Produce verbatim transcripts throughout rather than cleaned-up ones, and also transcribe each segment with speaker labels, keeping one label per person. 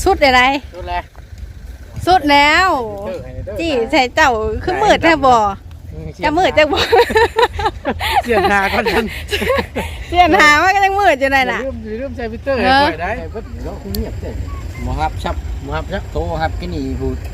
Speaker 1: สุดอะไร
Speaker 2: สุดแล้ว
Speaker 1: สุดแล้วจี้ใส่เจ้าคือมืดแท้บ่จะมืดจังบ่
Speaker 2: เสียนหาก่อนกัน
Speaker 1: เสียนหาว่าก็ยังมืดอยู่เลยน่ะ
Speaker 2: ลืมลืมใส่พิเตอร์ให้ปล่อยได้เพิ่นเนาะเงียบเด้หมอฮับชับหมอฮับชับโตฮับกินนี่พูด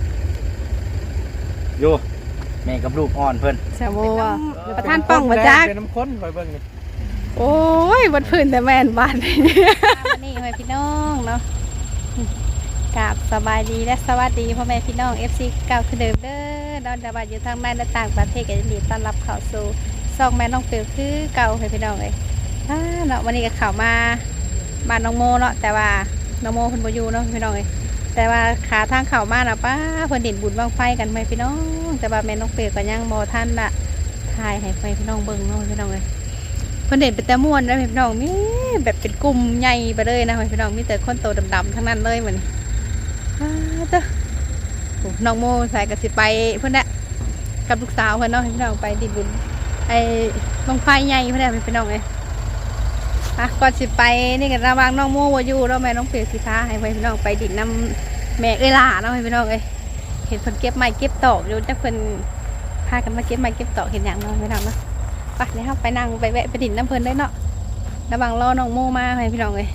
Speaker 2: อยู่แม่กับลูกอ่อนเพิ่น
Speaker 1: แซวว่าประธานป้องบ่จัก
Speaker 2: เป็นน้ำข้นคอยเบิ่งนี่
Speaker 1: โอ้ยบนพื้นแต่แม่นบ้านนี่นี่พ่อพี่น้องเนาะกราบสบายดีและสวัสดีพ่อแม่พี่น้อง เอฟ ซี เก่าคือเดิมเด้อดอนดาบอยู่ทางในและต่างประเทศก็ยินดีต้อนรับเข้าสู่ซองแม่น้องเปียวคือเก่าให้พี่น้องเลยเนาะวันนี้ก็เข้ามาบ้านน้องโมเนาะแต่ว่าน้องโมเพิ่นบ่อยู่เนาะพี่น้องเลยแต่ว่าขาทางเข้ามาน่ะป้าเพิ่นเด่นบุญบังไฟกันไหมพี่น้องแต่ว่าแม่น้องเปียวก็ยังบ่ทันละถ่ายให้พี่น้องเบิ่งเนาะพี่น้องเลยเพิ่นเด่นเป็นแต่ม่วนนะพี่น้องมีแบบเป็นกลุ่มใหญ่ไปเลยนะพี่น้องมีแต่คนโตดำๆทั้งนั้นเลยเหมือนเจ้าน้องโมใส่กระสิไปเพื่อนน่ะกับลูกสาวเพื่อนน้องพี่น้องไปดินบุญไอ้ลงไฟใหญ่เพื่อนน่ะพี่น้องเลยอ่ะก่อนสิไปนี่กันระวังน้องโมวาอยู่แล้วแม่น้องเปียกสีฟ้าให้พี่น้องไปดินน้ำแม่เอ้ยล่าน้องพี่น้องเลยเห็นเพิ่นเก็บไม้เก็บตอกอยู่แต่เพิ่นพากันมาเก็บไม้เก็บตอกเห็นอย่างน้องพี่น้องเนาะไปเลยครับไปนั่งไปแวะไปดินน้ำเพิ่นได้เนาะระวังรอน้องโมมาให้พี่น้องเลย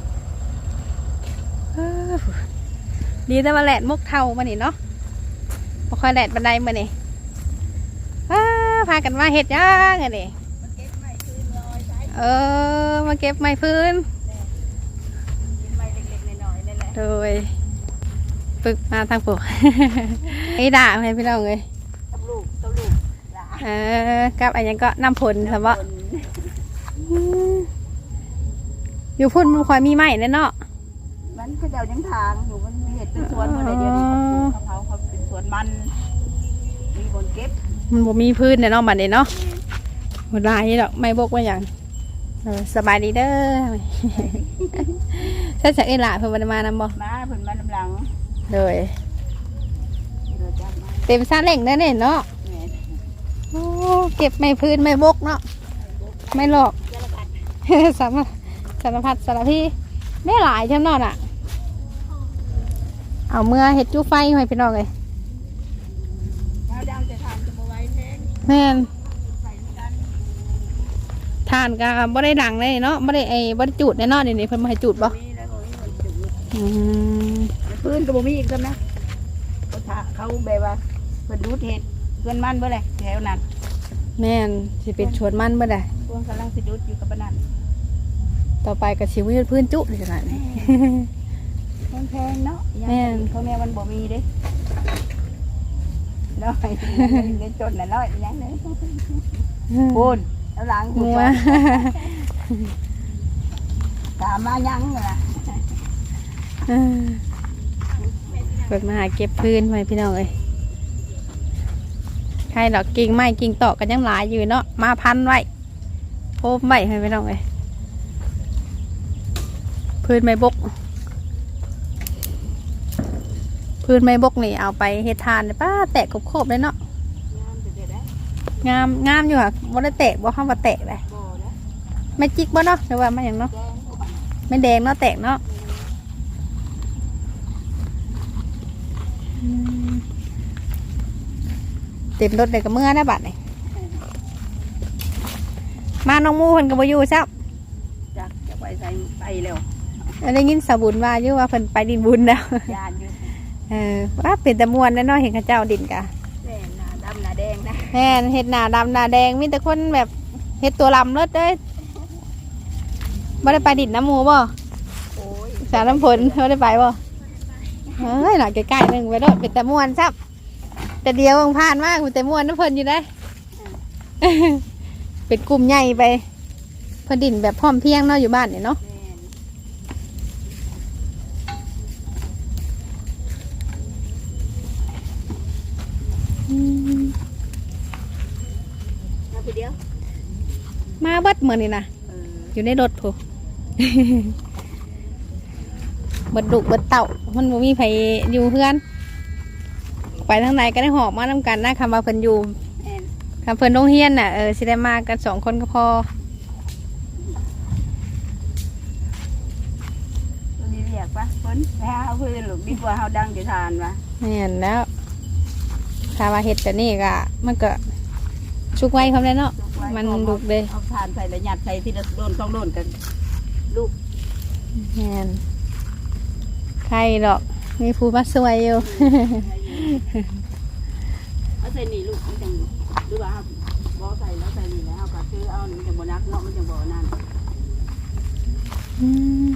Speaker 1: ดีแต่ว่าแหลดมุกเท่ามานี่เนาะพอคอยแหลดบันไดมานี่พากันมาเห็ดย่างไงนี่เออมาเก็บไม้พื้นโดยปึกมาทางปลูกไอ้ด่าให้พี่น้องเลยเออกับอันยังก็น้ำผลสมบัติอยู่พุ่นมันคอยมีไม้แน่เนาะ
Speaker 3: มันเขาเจ้ายังทางอยู่มันมีเห็ดเป็นสวนอะไรเดียวนี้เขาเขาเป็นสวนมันมีคนเก็บ
Speaker 1: มันบ่มีพื้นเนี่ยเนาะมันเนี่ยเนาะหมดลายดอกไม่บกว่าอย่างสบายดีเด้อใช่จากเอล่าเพิ่นมานำบ่
Speaker 3: มาเพิ่นมานำหลัง
Speaker 1: เลยเต็มซาเล่งได้เนี่ยเนาะโอ้เก็บไม่พื้นไม่บกเนาะไม่หลอกสารสารพัดสารพีได้หลายช่ำนอนอ่ะเอาเมื่อเห็ดจู้ไฟให้พี่น้องเลยแม่นทานก็บ่ได้ดังเลยเนาะบ่ได้ไอ้บ่ได้จุดแน่นอนนี่นี่เพิ่นมาให้จุดบ่
Speaker 3: พื้นก็บ่มีอีกซ้ำนะเขาเขาแบบว่าเพิ่นดูดเห็ดเพิ่นมันเบ่เลยแถวนั้น
Speaker 1: แม่นสิเป็นชวนมันเบ่ได้
Speaker 3: พวกกำลังสิดูดอยู่กับปานนั้น
Speaker 1: ต่อไปก็สิวิพื้นจุขนาดนี้
Speaker 3: แพงเนาะแม่เขาแม่มันบ่มีเด้น้อยเงินจนน่ะน้อยยังเด้พูนแล้วหลังพูนตามมายังล่ะ
Speaker 1: เปิดมาหาเก็บพื้นไว้พี่น้องเอ้ยใครดอกกิ่งไม้กิ่งตอกกันยังหลายอยู่เนาะมาพันไว้โพบไว้ให้พี่น้องเอ้ยพื้นไม้บกพื้นไม้บกนี่เอาไปเฮ็ดทานเลยป้าแตกโคบๆเลยเนาะงามงามอยู่ค่ะบ่ได้แตกบ่เข้ามาแตกเลยไม่จิกบ่เนาะหรือว่าไม่อย่างเนาะไม่แดงเนาะแตกเนาะเต็มรถเลยกับเมื่อนะบัดนี่มาน้องมูเพิ่นก็บ่อยู่ซับ
Speaker 3: จักจะไปใส่ไปเร็ว
Speaker 1: ได้ยินสาวบุญว่าอยู่ว่าเพิ่นไปดินบุญแล้วเออว่าเป็นตะมวนแน่นอนเห็นข้าเจ้าดินกะ
Speaker 3: แม่หน้าดำหน้าแดงนะ
Speaker 1: แม่เห็ดหน้าดำหน้าแดงมีแต่คนแบบเห็ดตัวลำเลิศเลยไม่ได้ไปดินน้ำหมูบ่สารน้ำฝนไม่ได้ไปบ่เฮ้ยหน่อยใกล้ๆหนึ่งไปด้วยเป็นตะมวนซับแต่เดียวมันผ่านมากเป็นตะมวนน้ำเพลินอยู่ได้เป็นกลุ่มใหญ่ไปพอดินแบบพร้อมเพียงเนาะอยู่บ้านเนี่ยเนาะมาเบิดเหมือนนี่นะอยู่ในรถผู้เบิดดุเบิดเต่ามันบ่มีไผอยู่เพื่อนไปทางไหนก็ได้หอบมาทำกันนะคำว่าเพิ่นอยู่คำเพิ่นโรงเรียนน่ะเออสิได้มากันสองคนก็พอ
Speaker 3: มีเรียกปะเพิ่นนไปหาเอาพื้นลูกดีกว่าเฮาดังจะทานวะ
Speaker 1: แม่นแล้วถ้าว่าเฮ็ดแต่นี่ก็มันก็ชุกไว้คำนั้นเนาะมันลูกเลย
Speaker 3: เอาทานใส่ละหยัดใส่ที่ละโดนต้องโดนกันลูก
Speaker 1: แม่นใครดอกมีผู้มาช่วยอยู่
Speaker 3: เอาใส่นี่ลูกมันจังหรือว่าบ่ใส่แล้วใส่นี่แล้วก็คือเอามันจังบ่นักเนาะมันจังบ่นั่น
Speaker 1: อืม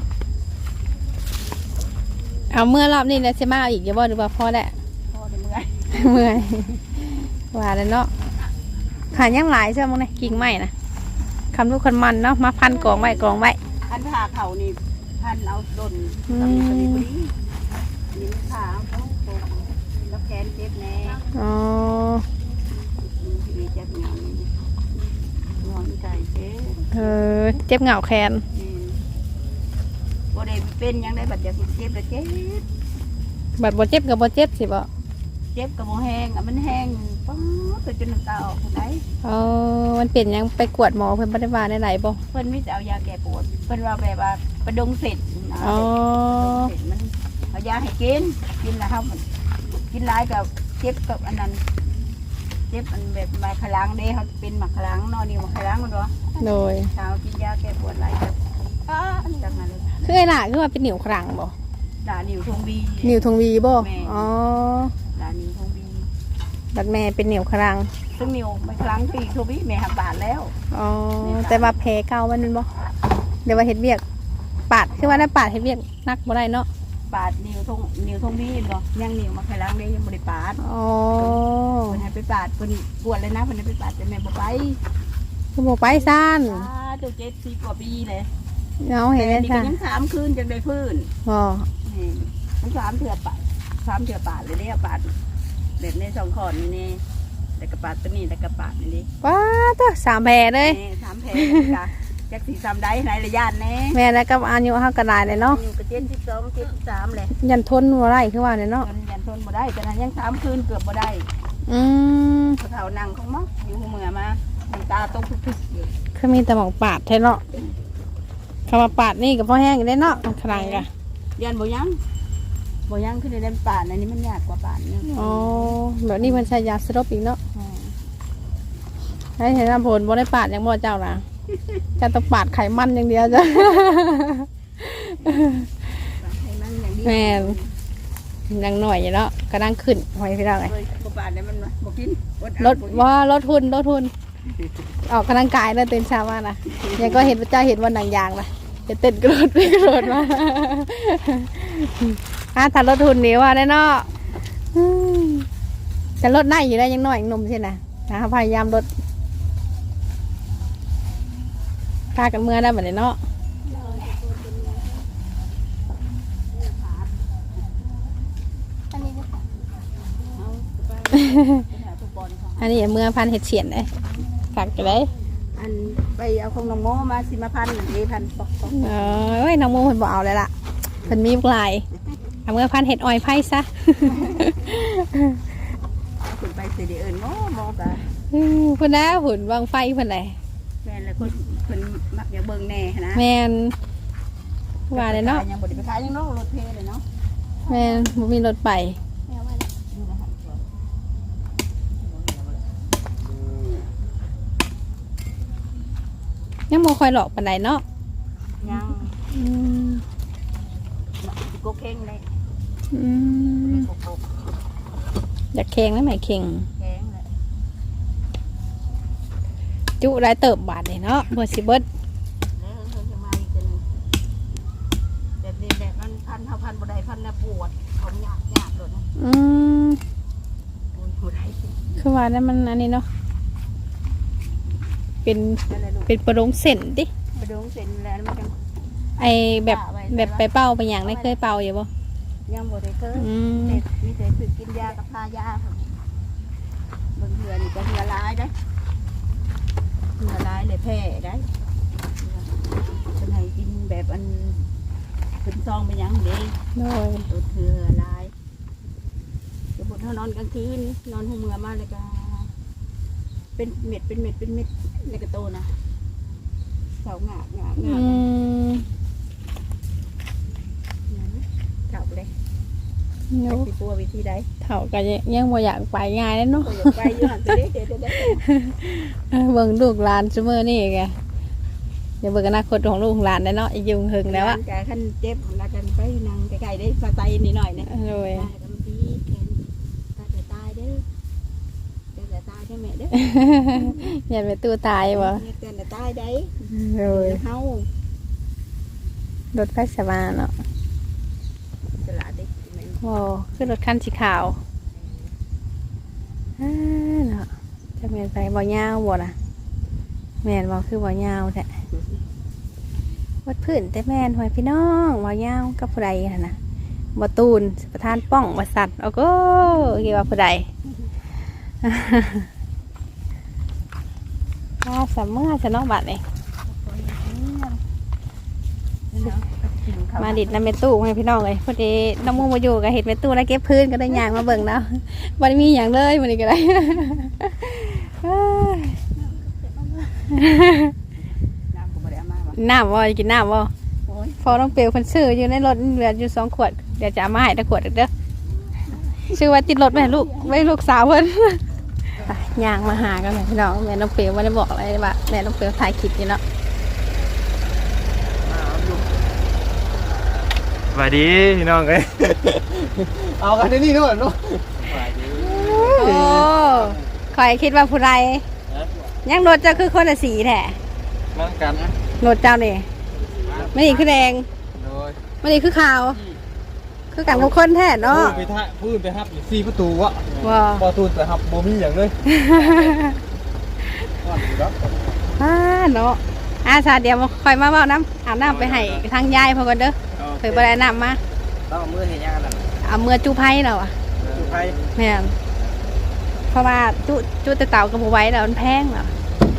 Speaker 1: เอาเมื่อรอบนี้แล้วสิมาเอาอีกอย่าบ่หรือว่าพอแล้ว
Speaker 3: พอได้เมื่อย
Speaker 1: เมื่อยว่าแล้วเนาะขายังหลายใช่ไหมเนี่ยกิ่งไม้นะคำลูกคนมันเนาะมาพันกองไว้กองไว้
Speaker 3: อันผ่าเขานี่พันเอาโดน
Speaker 1: อื
Speaker 3: ตำ
Speaker 1: ม
Speaker 3: ตำนี้พอดีนี่มันผ่าเอาโป่งแล้วแขนเจ็บแน่
Speaker 1: อ๋อ
Speaker 3: มีเจ็บเหงานี่นอนใจเจ็บ
Speaker 1: เออเจ็บเหงาแขน
Speaker 3: นี่บ่ได้เป็นหยังได้บัดอยากเจ็บแล้วเจ็บ
Speaker 1: บัดบ่เจ็บกับบ่เจ็บสิบ่
Speaker 3: เจ็บกับบ่แห้งอ่ะมันแห้งป๊อดจนน้ำตาออกคนไหน
Speaker 1: อ๋อมันเป็นหยังไปกวดหมอเพิ่นบ่ได้ว่าได้ไหนบ่
Speaker 3: เพิ่นมีแต่เอายาแก้ปวดเพิ่นว่าแบบว่าประดงเสร็จนะ
Speaker 1: อ๋อ
Speaker 3: เสร็จมันเอายาให้กินกินแล้วครับกินหลายกับเจ็บกับอันนั้นเจ็บอันแบบมาขลังเด้เขาเป็นหมักขลังนอนนี่หมักขลังมันวะ
Speaker 1: โดย
Speaker 3: เช้ากินยาแก้ปวดหลายกับอ้าอันจังนั้นเลย
Speaker 1: คือไอ้ล่ะคือว่าเป็นนิ้วครั้งบ่
Speaker 3: ด่านิ้วทงบี
Speaker 1: นิ้วทงวีบ่
Speaker 3: แม่
Speaker 1: อ๋อ
Speaker 3: ด่านิ้วทงบี
Speaker 1: บัดแม่เป็นนิ้วครั้ง
Speaker 3: ซึ่งนิ้วไม่ครั้งที่ทงบีแม่หักบาดแล้ว
Speaker 1: อ๋อแต่ว่าแผลเก่ามันเป็นบ่เดี๋ยวว่าเฮ็ดเวียกปาดคือว่าได้ปาดเฮ็ดเวียกนักบ่ได้เนาะ
Speaker 3: ปาดนิ้วทงนิ้วทงบีเนาะยังนิ้วมาขลังเด้ยังบ่ได้ปาด
Speaker 1: อ๋อ
Speaker 3: เพิ่นให้ไปปาดเพิ่นปวดเลยนะเพิ่นให้ไปปาดแต่แม่บ่ไป
Speaker 1: คือบ่ไปซ่าน
Speaker 3: อ่าเจ้าเจ็ดสิบกว่าปีเลย
Speaker 1: เอาเห็นได้
Speaker 3: แต่นี่
Speaker 1: ซ่า
Speaker 3: ก็ยังสามคืนจังได้พื้น
Speaker 1: บ่
Speaker 3: นี่มันสามเถื่อปาดสามเถื่อปาดเลยเนี่ยปาดแบบในสองขอนนี่นี่แต่กระปาดตัวนี้แต่กระปาดนี่นี่
Speaker 1: ว้าตัวสามแผลเลย
Speaker 3: นี่สามแผลจ้ะจักสีสามได้ไหนระยะแน่
Speaker 1: แม่แล้วก็อายุเฮาก็ได้เลยเนาะ
Speaker 3: อยู่กับเจ็ดสิบสองเจ็ดสิบสามเลย
Speaker 1: ยันทนบ่ได้คือว่าเนี่ยเนาะ
Speaker 3: จนยันทนบ่ได้แต่นั้นยังสามคืนเกือบบ่ได้
Speaker 1: อืม
Speaker 3: เขาเฒ่านั่งของมั้งอยู่หัวเมือมาน้ำตาตกพึกๆอยู่
Speaker 1: คือมีแต่หมองปาดแท้เนาะคำว่าปาดนี่ก็พอแห้งอยู่ได้เนาะครั้งก็
Speaker 3: ยันบ่ยังบ่ยังขึ้นในป่านอันนี้มันยากกว่าป่านเนี่ย
Speaker 1: อ๋อแบบนี้มันใช้ยาสลบอีกเนาะให้เห็นน้ำผลบ่ได้ปาดอย่างบ่เจ้านะจะต้องปาดไขมันอย่างเดียวจ้ะ
Speaker 3: ให้มันอย่างนี้
Speaker 1: แม่น ยังหน่อยอยู่เนาะก็นั่งขึ้นหอยพี่น้องไง
Speaker 3: เฮ้ยบ่ป่านเนี่ยมันบ่กินอด
Speaker 1: รถว่าลดทุนลดทุนออกกำลังกายแล้วตื่นเช้ามานะยังก็เห็นพระเจ้าเห็นวันหนังยางนะจะเต้นกระโดดไปกระโดดมาอ่ะถ้าลดทุนนี่ว่าได้เนาะอืมจะลดได้อยู่ได้ยังน้อยยังหนุ่มใช่ไหมนะพยายามลดค่ากันเมื่อได้เหมือนเนาะ
Speaker 3: อันนี้ก็เอาไปหาทุกบอลค่ะ
Speaker 1: อันนี้เมื่อพันเห็ดเฉียนเลยกักกันเลย
Speaker 3: อันไปเอาของน้องโมมาสิมาพันเอพันปอกปอก
Speaker 1: เอ้ยน้องโมเพิ่นบอกเอาเลยล่ะเพิ่นมีลายเอาเมื่อพันเห็ดออยไพ่ซะ
Speaker 3: คุณไปสิเดเอิญโมโมกะ
Speaker 1: อืมเพิ่นนะหุ่นวางไฟเพิ่นไหน
Speaker 3: แม่นแล้วคนคนมักอยากเบิ่งแน่นะ
Speaker 1: แมนว่าเลยเนาะ
Speaker 3: ยังบ่ได้ไปขายยังเนาะรถเพลเลยเนาะ
Speaker 1: แมนบ่มีรถไป
Speaker 3: แม่ว่าดูนะฮะ
Speaker 1: ยังบ่ค่อยหลอกปานใดเนาะ
Speaker 3: ยัง
Speaker 1: อืม
Speaker 3: โกเข่งเลย
Speaker 1: อืม
Speaker 3: โกโก
Speaker 1: อยากเค็งแล้วไหมเค็ง
Speaker 3: แข็งเลย
Speaker 1: จุได้เติบบาทนี่เนาะบ่สิเบิด
Speaker 3: แล้วเพิ่นจะมาอีกกันแบบนี้แบบมันพันเท่าพันบ่ได้พันแล้วปวดเขาหยาบหยาบเลยนะ
Speaker 1: อืม
Speaker 3: ปวดบ่ได้
Speaker 1: คือว่านั้นมันอันนี้เนาะเป็น
Speaker 3: นั่นแหละลูก
Speaker 1: เป็นประดงเส้นติ
Speaker 3: ไปดูเสร็จแล้วมันจัง
Speaker 1: ไอแบบแบบไปเป่าไปหยังได้เคยเป่าอยู่บ่
Speaker 3: ยังบ่ได้เคย
Speaker 1: อืม
Speaker 3: เด็กมีแต่คือกินยากับทายาค่ะบางเถื่อนี่ก็เถื่อร้ายได้เถื่อร้ายเลยแพ้ได้เป็นให้กินแบบอันเป็นซองเป็นหยังเด้
Speaker 1: โดย
Speaker 3: ตัวเถื่อร้ายจะบดเท่านอนกลางคืนนอนหัวเมือมาเลยก็เป็นเม็ดเป็นเม็ดเป็นเม็ดในกระโตนะเสาหงากหงากห
Speaker 1: อื
Speaker 3: งาก
Speaker 1: ม
Speaker 3: เสา
Speaker 1: โน้
Speaker 3: สิปัววิธีใด
Speaker 1: เท่ากันยังบ่อยากไปง่ายแล้วเนาะ
Speaker 3: ก็อยากไปอยู่หั่นตัวนี้เดี๋ยวเดี๋ยวเดี๋ยว
Speaker 1: เบิ่งลูกหลานซุมื้อนี่แกเดี๋ยวเบิ่งอนาคตของลูกของหลานได้เนาะอีกยุงหึงแล้วอะ
Speaker 3: กะคันเจ็บแล้วกันไปนั่งใกล้ๆได้สไตล์นิดหน่อยเนี่ย
Speaker 1: โดย
Speaker 3: ตายกันดีแขนตายแต่ตายเด้อเตือนแต่ตายได้แม่เด้อ
Speaker 1: อย่าไปตู้ตายบ่
Speaker 3: เตือนแต่ตายได้
Speaker 1: โดย
Speaker 3: เฮาร
Speaker 1: ถไฟสวาเนาะ
Speaker 3: สละเด็กแม่น
Speaker 1: โอ้คือรถคันสีขาวอ่าเนาะจะแม่นไปบ่ยาวบ่ล่ะแม่นบ่คือบ่ยาวแท้วัดพื้นแต่แม่นหอยพี่น้องบ่ยาวกับผู้ใดหั่นน่ะบ่ตูนประธานป้องบ่สัตว์โอ้โหกี่ว่าผู้ใด ว่าสามเมื่อจะนอกบัตรเลยมาดิดน้ำเมตู้ให้พี่น้องเลยพอดีน้ำมูมาอยู่กับเห็ดเมตู้แล้วเก็บพื้นก็ได้ยางมาเบิ่งแล้ววันมีอย่างเลยวันนี้ก็ได้
Speaker 3: น้ำก็บ่ได้เอามาว่ะ
Speaker 1: น้ำว่ากินน้ำว่า
Speaker 3: โอ้ย
Speaker 1: พอต้องเปลวคนซื้ออยู่ในรถเหลืออยู่สองขวดเดี๋ยวจะเอามาให้ตะขวดเด้อชื่อว่าติดรถแม่ลูกไว้ลูกสาวเพิ่น ยางมาหากันเลยพี่น้องแม่น้องเปลวไม่ได้บอกอะไรว่าแม่น้องเปลวถ่ายคลิปอยู่เนาะ
Speaker 2: สวัสดีพี่น้องเอ้ย เอากันในนี่ด้วยเนาะสวัสดี
Speaker 1: โอ้คอยคิดว่าผู้ใดยังรถเจ้าคือคนละสีแท้
Speaker 2: นั่งกันนะ
Speaker 1: รถเจ้านี่ไม่นี่คือแดง
Speaker 2: โดย
Speaker 1: ไม่นี่คือขาว คือกันกับคนแท้เนาะ
Speaker 2: พูดไปท่าพูดไปฮับอยู่สี่ประตูวะ
Speaker 1: ว้า
Speaker 2: พอตูนไปฮับโมมี่อย่างเลยก่อนอยู่แล้ว
Speaker 1: อ่าเนาะอาสาเดี๋ยวมาคอยมาเบ้าน้ำอาบน้ำไปให้ทางยายพอกันเด้อเคยไปได้น้ำมา
Speaker 2: ต้องมือเห็นยังกัน
Speaker 1: เอาเมื่อจูไพ่เราอะ
Speaker 2: จุไฟ
Speaker 1: แม่นเพราะว่าจุจุแต่เต่ากับบัวไว้แล้วมันแพงเหรอ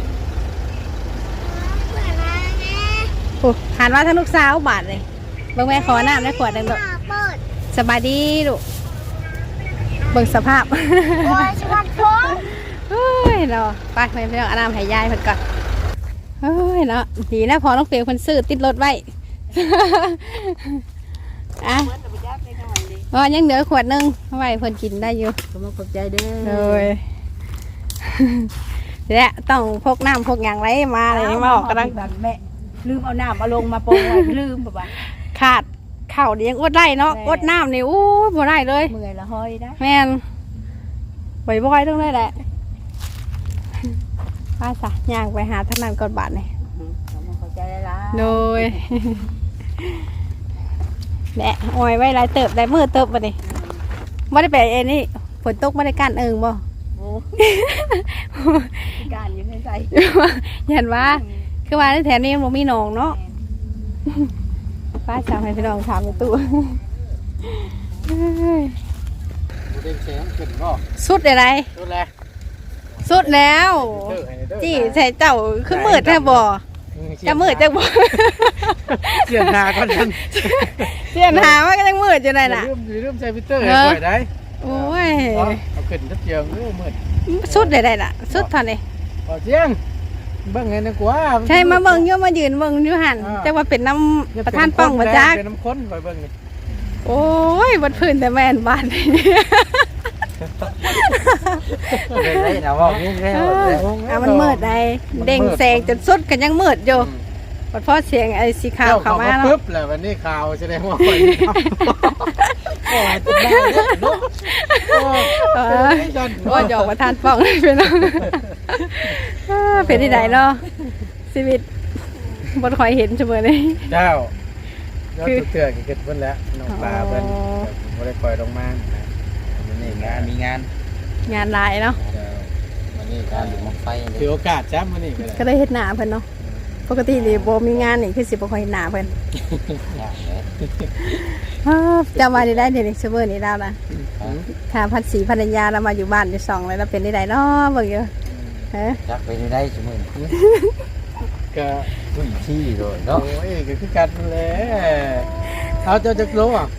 Speaker 1: โอ้หันว่าทั้งลูกสาวบาทเลยเบิ่งแม่ขอน้ำได้ขวดหนึ่งลูกสบายดีลูกเบิ่งสภาพ
Speaker 3: โอ้ยสวัสดี
Speaker 1: เฮ้ยเนาะไปไปไปเอาน้ำให้ยายเพิ่นก่อนเฮ้ยเนาะดีนะพอน้องเปียวคนซื้อติดรถไว้ อ่ะ
Speaker 3: เพิ่นน่ะบ่ยักได้หน่อยดิ
Speaker 1: อ๋อยังเหลือขวดหนึงเอาไว้เพิ่นกินได้อยู่
Speaker 3: ขอบคุณใจเด้อ
Speaker 1: เลย และต้องพกน้ำพกอย่างไรมาเลยมาออกกำลัง
Speaker 3: แบบแม่ลืมเอาน้ำเอาลงมาโปรยลืมแบบว่า
Speaker 1: ขาดเข่าวเลี้ยงอดได้เนาะ
Speaker 3: แม่
Speaker 1: อดน้ำนี่อู้บ่ได้เลย
Speaker 3: เมื่อยละห้อยได้
Speaker 1: แม่นบ่อยๆต้องได้แหละป้าสะย่างไปหาทางนั้นก่อนบาทนี่
Speaker 3: ขอบคุณใจละ
Speaker 1: โดย แหละออยไว้หลายเติบได้มือเติบมาดิไม่ได้ไปเอ็นนี่ฝนตกไม่ได้กันเอิงบ่
Speaker 3: โอ้การอยู่ในใจ
Speaker 1: เห็นว่าคือว่าในแถวนี้มันบ่มีหนองเนาะป้าสาวให้พี่น้องถามในตู้
Speaker 2: เด้งแสงขึ้นก็
Speaker 1: สุดอะไร
Speaker 2: ดูแล
Speaker 1: สุดแล้วจี้ใส่เจ้าคือมืดแท้บ่จะมืดจังบ่
Speaker 2: เสียงหาก่อนกัน
Speaker 1: เสียนหาว่าก็ยังมืดอยู่เลยน่ะ
Speaker 2: ลืมลืมใส่พิเตอร์ให้ไว้ได้
Speaker 1: โอ้ย
Speaker 2: เอาขึ้นทัดเจียงเออมืด
Speaker 1: สุดได้ได้ล่ะสุดเท่านี้
Speaker 2: พอเจียงเบิ่งไงนะกว่า
Speaker 1: ใช่มาเบิ่งอยู่มายืนเบิ่งอยู่หันแต่ว่าเป็นน้ำประธานป้องบ่จัก
Speaker 2: เป็นน้ำข้นคอยเบิ่งนี่
Speaker 1: โอ้ยบนพื้นแต่แม่นบ้าน
Speaker 2: เลยได้นะว่างี้แล้ว
Speaker 1: อ่ะมันมืดได้เด้งแสงจนสุดกันยังมืดอยู่พอพอเสียงไอ้สีขาวเข้ามา
Speaker 2: ปึ๊
Speaker 1: เนาะ
Speaker 2: บแล้ววันนี้ข่าวแสดงว่าคอยโอ้ยติดได้เนาะ
Speaker 1: เออโอ้ยหยอกประธานป้องเลยพี่น้องเออเป็นที่ไหนเนาะชีวิตบนคอยเห็นเสมอเลย
Speaker 2: เจ้าก็ตุกเตือนกันเพิ่นแล้วน้องปลาเพิ่นบ่ได้คอยลงมาวันนี้งานมีงาน
Speaker 1: งานหลายเนาะ
Speaker 2: วันนี้การอยู่มองไฟถือโอกาสจ้ำวันนี้ก็ได้
Speaker 1: ก็ได้เฮ็ดหน้าเพิ่นเนาะปกตินี่บ่มีงานนี่คือสิบ่ค่อยเฮ็ดหน้าเพิ่นเออจำว่าได้ได้เดี๋ยวนี้เสมอนี่แล้วนะถ้าพันสีภรรยาเรามาอยู่บ้านอยู่สองเลยเราเป็นได้ไดเนาะเบิ่งอยู่ฮะ
Speaker 4: จักไปได้สมุน
Speaker 2: ก็
Speaker 4: ผู้ที่โดย
Speaker 2: โอ้
Speaker 4: เนาะ
Speaker 2: ยก็คือกันแหละเอาเจ้าจักโลอ่ะ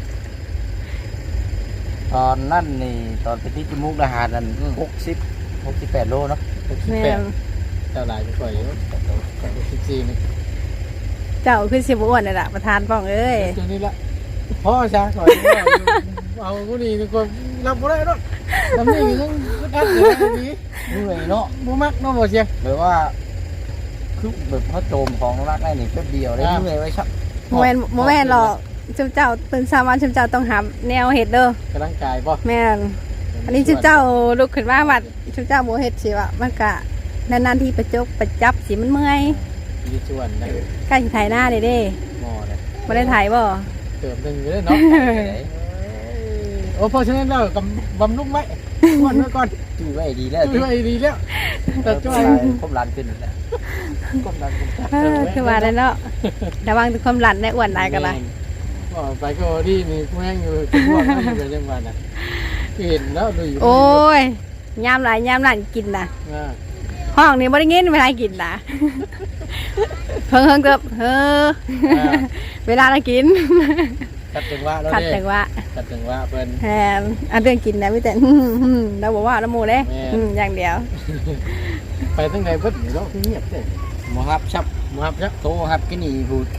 Speaker 4: ตอนนั้นนี่ตอนไปที่จมูกทหารนั่นหกสิบหกสิบแปดโลเนาะ
Speaker 1: แม่น
Speaker 2: เจ้าหลายจะปล่อยอยู่สิบสี่นี่
Speaker 1: เจ้าคือสิบ่อ้วนนี่ล่ะประธานป้องเอ้ย
Speaker 2: ตัวนี้ละพ่อชาก่อนเอากูนี่ก็รับบ่ได้ดอกทำนี่ยังอัดอยู่นี่
Speaker 4: เหนื่อยเนาะ
Speaker 2: บ่มักเนาะบ่เชียง
Speaker 4: แบบว่าคือแบบพระโจมของรักได้นี่แป๊บเดียวได้เหนื่อยไว้ชัก
Speaker 1: โมเมนโมเมนหรอกชุมเจ้าตื่นเช้ามาชุมเจ้าต้องหาแนวเห็ดเด้อก
Speaker 2: ำลังกายบ่
Speaker 1: แม่นอันนี้ชุมเจ้าลุกขึ้นมาวัดชุมเจ้าโมเห็ดสิวะมันกะนานๆที่ประจกประจับสิมันเมื่อย
Speaker 2: มีชวนได้
Speaker 1: ใกล้สิถ่ายหน้าเด้เด้
Speaker 2: หม้อเลย
Speaker 1: บ่ได้ถ่ายบ่
Speaker 2: เติมหนึงอยู่เด้เนาะโอ้เพราะฉะนั้นเรากำบำรุงไว้ก่อนไว้ก่อน
Speaker 4: จู้ไว้ดีแล้ว
Speaker 2: ช่วยดีแล้วแต่
Speaker 4: จ้
Speaker 2: ช่วย
Speaker 4: ครบล้านขึ้นแล้ว
Speaker 2: กำลังกำลัง
Speaker 1: เออคือว่าแล้วเนาะระวังความหลั่นได้อ้วนได้กันล่ะ
Speaker 2: ก็ไปก็ดีนี่แม่งอยู่ทุกวันนั่นอยู่จังหวัดน่ะเห็นแล้วดูอยู่
Speaker 1: โอ้ยยามหลายยามหลั่นกินน่ะ
Speaker 2: อ่า
Speaker 1: ห้องนี้บ่ได้ยินเวลากินน่ะเพิ่งเพิ่งเติบเออเวลาเรากิน
Speaker 2: ขัดจังหวะแล้ว
Speaker 1: ขัด
Speaker 2: เด้
Speaker 1: จังว่า
Speaker 2: ขัดจังหวะเพิ่น
Speaker 1: แฮมอันเรื่องกินนะพี่แต่ เราบอกว่าน้ำหมูเด้
Speaker 2: แม่
Speaker 1: อืมอย่างเดียว
Speaker 2: ไปทั้งไหนเพิ่นเนาะเงียบเด้
Speaker 4: หมอครับชับ
Speaker 2: มาครับจ้ะ
Speaker 4: โตครับกินนี่พูด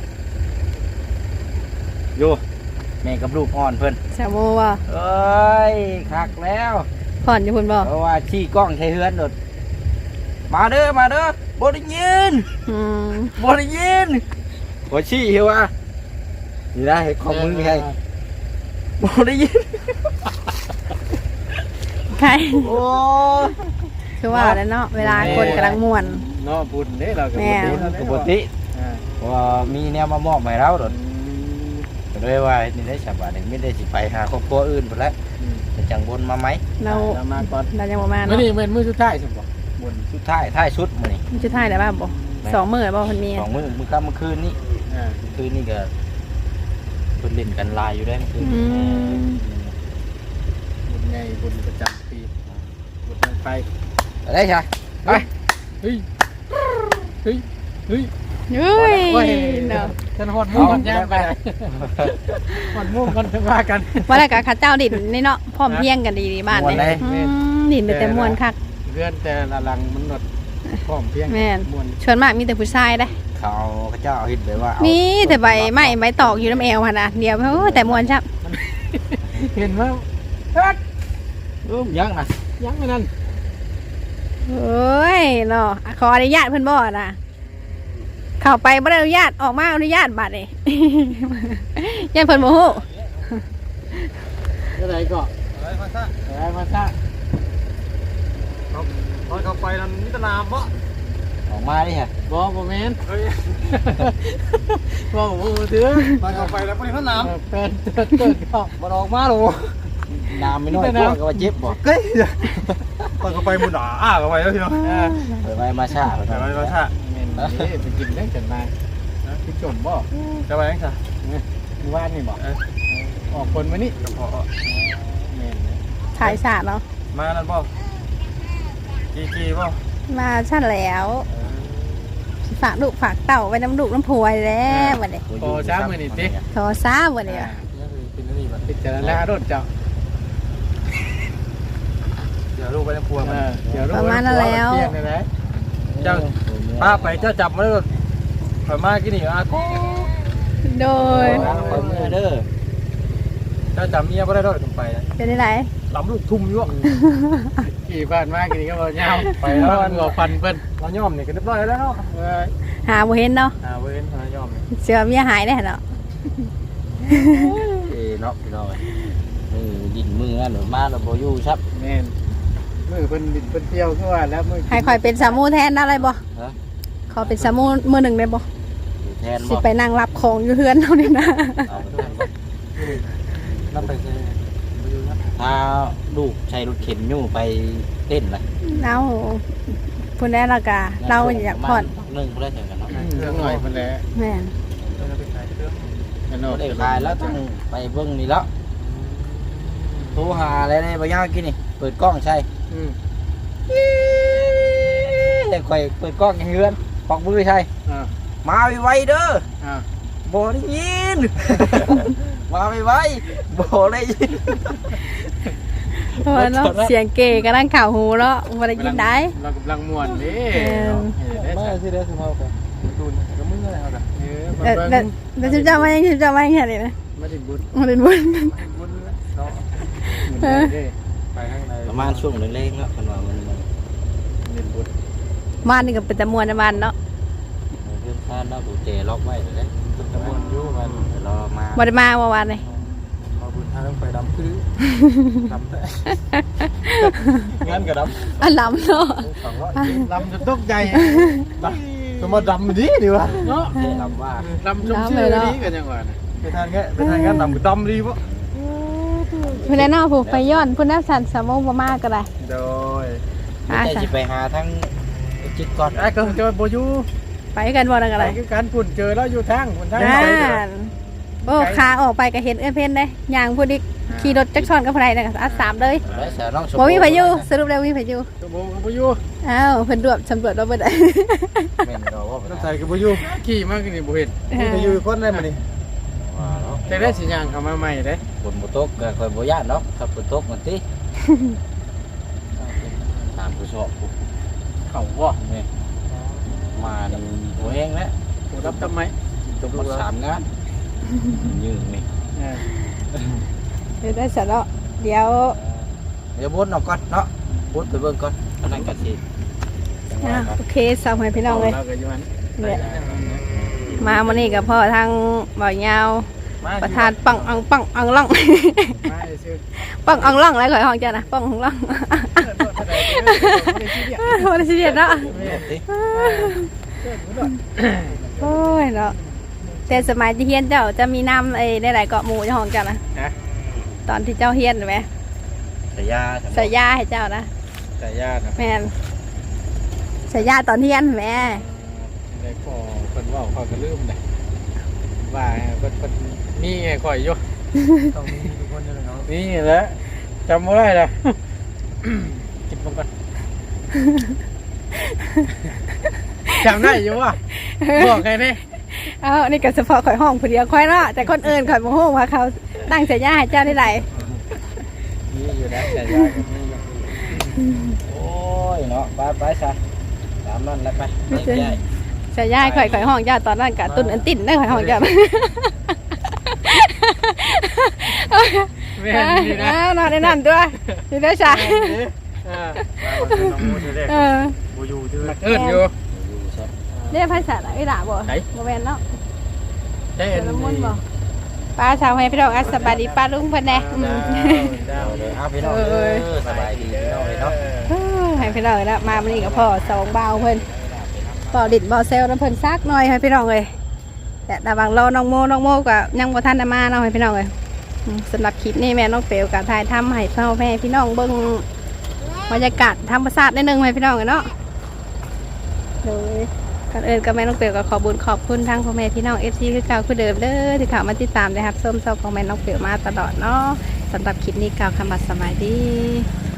Speaker 4: โยแม่กับลูกอ่อนเพิ่น
Speaker 1: สามโมว่า
Speaker 4: เอ้ยคักแล้ว
Speaker 1: ผ่อนอยู่พุ่นบ่
Speaker 4: เพราะว่าชี้กล้องใช้เฮือนโดดมาเด้อมาเด้อบ่ได้ยิน
Speaker 1: อืม
Speaker 4: บ่ได้ยินบ่ชี้เฮว่านี่ได้ของมึงนี่ให้บ่ได้ยิน
Speaker 1: ใคร
Speaker 4: โอ้ย
Speaker 1: คือว่าแล้วเนาะเวลาคนกำลังม่วน
Speaker 2: เนาะบุญเด้เราก็
Speaker 1: แม่
Speaker 2: บุญ
Speaker 4: ปกติเพราะว่ามีแนวมามอบให้เราโดดก็เลยว่านี่ได้ฉบับหนึงไม่ได้สิไปหาครอบครัวอื่นพุ่นแล้วจะจังบนมาไหม
Speaker 1: เรา
Speaker 2: เรามาก่อน
Speaker 1: เรายังบ่มา
Speaker 2: มื้อ
Speaker 1: เนาะ
Speaker 2: นี้เป็นมื้อสุดท้ายใช่บ่บุญ
Speaker 4: สุดท้ายท้ายสุดมื้อนี้
Speaker 1: มันจะถ่ายได้บ้างบ่สองมื้อแล้วบ่เพิ่นมี
Speaker 4: สองมื้อมื้อค่ำมื้อคืนนี้
Speaker 2: อ่า
Speaker 4: มื้อคืนนี้ก็เพิ่นเล่นกันลายอยู่ได้เมื่อคืน
Speaker 1: อืม
Speaker 2: บุญไงบุญประจำปีบุญลงไป
Speaker 4: อะไรใช่ไป
Speaker 2: เฮ้ยเฮ้ยเฮ้ย
Speaker 1: เฮ้ย
Speaker 2: โอ้ย
Speaker 1: เนาะ
Speaker 2: ฉันฮอดม่วงกันย่างไปฮอดม่วงกันว่ากัน
Speaker 1: ว่าแล้วก็ข้าเจ้าดินนี่เนาะพร้อมเพรียงกันดีๆบ้านนี่อืมดินแต่ม่วนคัก
Speaker 2: เพื่อนแต่ละหลังมันหนดพร้อมเพียง
Speaker 1: แม่น
Speaker 2: ม่วน
Speaker 1: ชวนมากมีแต่ผู้ชายเด้
Speaker 4: เขาเขาเจ้าเห็นเลยว่า
Speaker 1: มี
Speaker 4: มี
Speaker 1: แต่ใบไม้ใบตอกอยู่น้ำแอวหั่นน่ะเดียวโอ้แต่ม่วนชับ
Speaker 2: เห็นว่าเฮ็ด
Speaker 4: อืมยังนะ
Speaker 2: ยังไม่นั่น
Speaker 1: โอ้ยเนาะขออนุญาตเพิ่นบ่น่ะเข้าไปบ่ได้อนุญาตออกมาอนุญาตบัดนี่ ยันเพิ่นบ่ฮู้
Speaker 2: เท่าไหร่ก็
Speaker 4: อะไรมาซะ
Speaker 2: เท่าไหร่มาซะ
Speaker 4: ตอนเขาไปนั้นมิตรนามบ่ออกมาดิฮะ
Speaker 2: บ่บ่แม่นบ่บ่ถือ
Speaker 4: ตอนเขาไปแล้วพวกนี้เขานาม
Speaker 2: เป็นเติร์ดเติร์ดก็
Speaker 4: บ่ออกมาหรอกนามไม่น้อยพวกก็ว่าเจ็บบ่
Speaker 5: เฮ้ยตอนเขาไปมุนอ่ะอ้าเขาไปแล้วพี่น้อง
Speaker 2: อ่า
Speaker 4: เปิดไปมาชาเปิด
Speaker 5: ไป
Speaker 4: ไป
Speaker 5: ไปมาชา
Speaker 2: แม่นนี่ไปกินได้จังมาพี่จมบ่
Speaker 5: จะไปยังไง
Speaker 2: มื้อวานนี่บ่ออกคนมานี่
Speaker 5: พอ
Speaker 2: แม่น
Speaker 1: ถ่ายฉากเนาะ
Speaker 5: มานั่นบ่กี่กี่บ่
Speaker 1: มาชั้นแล้วสิฝากลูกฝากเต่าไว้น้ำลูกน้ำพวยแล้วบัดนี้
Speaker 2: พอช้ามื้อนี้ติ
Speaker 1: ขอซ่าบัดนี้
Speaker 2: อ่าเป็นนี่บ่พิจารณารถเจ้า
Speaker 5: เดี๋ยวลูกไปในครัว
Speaker 2: เอ
Speaker 5: มัน
Speaker 2: อเดี๋ยวรู้
Speaker 1: ประมาณนั้นแล้ว
Speaker 2: เที่ยงเลยนะ
Speaker 5: เจ้าป้าไปเจ้าจับมาแล้วถอยมากี่นี่อ่ะกู
Speaker 1: โดย
Speaker 4: เปิดมือเด้อ
Speaker 5: เจ้าจับเมียไม่ได้ด้วยถึงไป
Speaker 1: เป็นที่ไหน
Speaker 5: หลำลูกทุ่มอยู่
Speaker 2: ขี่บ้านมากนี่ก็บอกยาวไปแล้วมันบอกฟันเพิ่น
Speaker 5: เราย่อมนี่ก็เรียบร้อยแล้วเนาะ
Speaker 2: เออ
Speaker 1: หาบ่เห็นเนาะ
Speaker 5: อ่าเว้นเราย่อม
Speaker 1: เสือเมียหายได้เนาะ
Speaker 4: เอ้เนาะพี่น้องมือดินมือนั่นหรือมาเราบ่อยู่ครับ
Speaker 2: แม่นมือเพิ่นดินเพิ่นเที่ยวคือว่าแล้วมือ
Speaker 1: ให้คอยเป็นสามูแทนได้บ่
Speaker 4: ฮะ
Speaker 1: ขอเป็นสามูมือหนึ่งได้บ่
Speaker 4: อยู่แทน
Speaker 1: สิ
Speaker 4: บ่
Speaker 1: ไปนั่งรับของอยู่เฮือนเท่านี้นะ
Speaker 4: เอาไปแทนบ่
Speaker 5: นับไปเลยไปอยู่นะ
Speaker 4: พาลูกใช้รถเข็นอยู่ไปเต้นเลย
Speaker 1: เอาพุ่นได้ละกะเราอยากผ่อน
Speaker 4: หนึ่งเพื่อนกันเนาะ
Speaker 2: เรื่องหน่อยเพิ่นแหละ
Speaker 1: แม่น
Speaker 5: เราไปขายเรื่อง
Speaker 2: อัน
Speaker 4: เรา
Speaker 2: นั้น
Speaker 4: ได้ขายแล้วต้องไปเบิ้งนี่แล้วโทรหาอะไรได้บางอย่างกินนี่เปิดกล้องใช่
Speaker 2: อืม
Speaker 4: แต่คอยเปิดกล้องให้เฮือนปอกมือใช่
Speaker 2: อ่า
Speaker 4: มาไวๆเด้อ
Speaker 2: อ่า
Speaker 4: บ่ได้ยิน มาไวๆบ่ได้ยิน
Speaker 1: เพราะว่าเนาะเสียงเก๋กำลังข่าวหูแล้วบ่ได้ยินได้
Speaker 2: เรากำลังม่วนเด้
Speaker 1: เออ
Speaker 5: ไม่สิเด้อสิมาเอาไปดูนก็มึงอะไรเอาละ
Speaker 2: เออ
Speaker 1: แล้ว
Speaker 2: มา
Speaker 1: แล้ว
Speaker 2: เบิ่ง
Speaker 1: แล้วจุ๊บจ้ามายังจุ๊บจ้ามายังไงเลยนะ
Speaker 2: มาสิบุญ
Speaker 1: มาเล่นบุญ
Speaker 5: บุญเนาะ
Speaker 2: เออเด้
Speaker 5: ไปข้างใน
Speaker 4: ประมาณช่วงเล็กๆเนาะมันว่ามันมัน
Speaker 2: เล่นบุญ
Speaker 1: บ้านนี่ก็เป็นตะมวนในบ้านเนาะ
Speaker 4: เพื่อนซ่านเนาะกูเจล็อกไว้เลย
Speaker 5: เป็นตะมวนอยู่มัน
Speaker 4: เดี๋ยวรอมา
Speaker 1: บ่ได้มาเมื่อวานเลย
Speaker 5: มาบุญทางไปดำคือดำแต่งั้นก็ดำ
Speaker 1: อันล้ำเนาะ
Speaker 5: ฝังว่า
Speaker 2: ลำจนตกใจ
Speaker 5: สมมติดำดีดีวะเนาะ
Speaker 4: เจลำว่า
Speaker 2: ลำจนชื่อนี้กันยังไง
Speaker 5: ไปทานแค่ไปทานงั้นดำดำดีปะ
Speaker 1: เพื่อนเนาะผูกไปย้อนพุ่นน้ำสันสมองบ่มากก็ได้
Speaker 2: โดย
Speaker 1: อ่า
Speaker 4: จะ
Speaker 1: จ้ะ
Speaker 4: สิไปหาทั้งจิตก่อน
Speaker 2: ไอ้ก็เจอโบยู
Speaker 1: ไปกันบ่นั่นก็
Speaker 2: ไป
Speaker 1: ได้
Speaker 2: คือการปุ่นเจอแล้วอยู่ทางบนทาง
Speaker 1: อ่า
Speaker 2: ไปเด้อ
Speaker 1: โอ้ขาออกไปก็เห็นเอื้อนเพ่นได้ย่างพูดอีกขี่รถจักรซ้อนกับไผน่ะอัดสามเลย
Speaker 4: ได้สาวน้องชม
Speaker 1: บ่มีพายุสรุปแล้วมีพายุ
Speaker 2: ตัวโบกับโบยู
Speaker 1: อ้าวเพิ่นรวบสำรวจเราเบิดได้
Speaker 4: แม่นเราว่า
Speaker 2: ต้องใส่กับโบยูขี่มากนี่โบเห็นมีไปอยู่คนได้มานี่
Speaker 4: ว่าเนาะ
Speaker 2: แต่ได้สิยางเข้ามาใหม่เด้
Speaker 4: บนบุตกก็คอยบ่ย่านเนาะครับบุตกมันติตามผู้ชอบผู้
Speaker 2: เขาว่า
Speaker 4: นี่มานี่หัวแห้งแล้ว
Speaker 2: ผู้รับทำไม
Speaker 4: จบหมดสามงานยืนนี่
Speaker 2: เออ
Speaker 1: เดี๋ยวได้เสร็จแล้วเดี๋ยว
Speaker 4: เดี๋ยวบดออกก่อนเนาะบดไปเบิ่งก่อนอันนั้นก็สิจังหวะ
Speaker 1: อ่ะ
Speaker 4: ครับ
Speaker 1: โอเคสาวให้พี่น้องเลย
Speaker 2: เราก็อยู่มัน
Speaker 1: เนี่ยมามื้อนี้กับพ่อทางบ่อยาว
Speaker 2: มา
Speaker 1: ประธานปังอังปังอังล่อง
Speaker 2: มาซื้อ
Speaker 1: ปังอังล่องอะไรข่อยห้องจ้ะนะปังอังล่อง โอ้ยสิเดียดเนาะ
Speaker 4: ติ
Speaker 1: โอ้ยเนาะแต่สมัยที่เฮียนเจ้าจะมีน้ำไอ้ในหลายเกาะหมู่เจ้าของเจ้านะ
Speaker 2: นะ
Speaker 1: ตอนที่เจ้าเฮียนไหม
Speaker 4: สายยา
Speaker 1: ใส่ยาให้เจ้านะ
Speaker 2: แต่ญาตินะ
Speaker 1: แม่นใส่ยาตอนเฮียนแม่
Speaker 2: ได้ขอคนว่าขอก็ลืมได้ว่าเพิ่นเพิ่นนี่ไงข่อยอยู่
Speaker 5: ต้องมีทุกคนเลยเนาะ
Speaker 2: นี่แหละจำไม่ได้ละ กินมันก่อนจำได้อยู่ว่ะบอกไงนี่
Speaker 1: เอ้านี่ก็เฉพาะข่อยห้องผู้เดียวข่อยเนาะแต่คนอื่นข่อยโมโหว่าเขาตั้งใส่ยาให้เจ้าได้ไร
Speaker 2: นี่อยู่นะแต่ญาติก็มีอยู่
Speaker 4: โอ้ยเนาะไปไปซะตามนั้นแล้วไปไปใหญ่
Speaker 1: ใส่ยาให้ข่อยข่อยห้องเจ้าตอนนั้นกะตุนอันติ่นได้ข่อยห้องเจ้า
Speaker 2: แม่นดีนะ
Speaker 1: นอนในนั่นตัวอยู่ได้ใช่
Speaker 2: เออ
Speaker 5: น้องมูจะได้
Speaker 1: เออ
Speaker 5: บูยูชื่อ
Speaker 2: มักเอิ้นอยู่
Speaker 4: อยู่ซะ
Speaker 1: เรียกภาษาอะไรด่าบ่
Speaker 2: ไหน
Speaker 1: บ่แม่นเนาะ
Speaker 2: ใช่
Speaker 1: เดี๋
Speaker 2: อั
Speaker 1: ย
Speaker 2: น
Speaker 1: วละมุน
Speaker 2: นี้
Speaker 1: บ่ป้าชาวให้พี่น้องอัสสบายดีป้าลุงเพิ่นแน่อืม
Speaker 2: เจ้า
Speaker 4: เอาเลยเอาพี่น้องเอ้ยสบายดีพี่น้องเลยเนาะ
Speaker 1: เออให้พี่น้องแล้วมามื้อนี้กับพ่อสองบ่าวเพิ่นบ่าวดิดบ่าวเซลน้ำเพิ่นซักหน่อยให้พี่น้องเลยแต่ระหว่างรอน้องโมน้องโมก็ยังบ่ทันได้มาเนาะให้พี่น้องเลยอืมสำหรับคลิปนี้แม่น้องเปลวก็ถ่ายทำให้พ่อแม่พี่น้องเบิ่งบรรยากาศธรรมชาตินิดนึงให้พี่น้องเลยเนาะโดยก่อนอื่นก็แม่น้องเปลวก็ขอบุญขอบคุณทั้งพ่อแม่พี่น้อง เอฟ ซี คือเก่าคือเดิมเด้อที่เข้ามาติดตามนะครับส้มซอกของแม่น้องเปลวมาตลอดเนาะสำหรับคลิปนี้กล่าวคำว่าสบายดี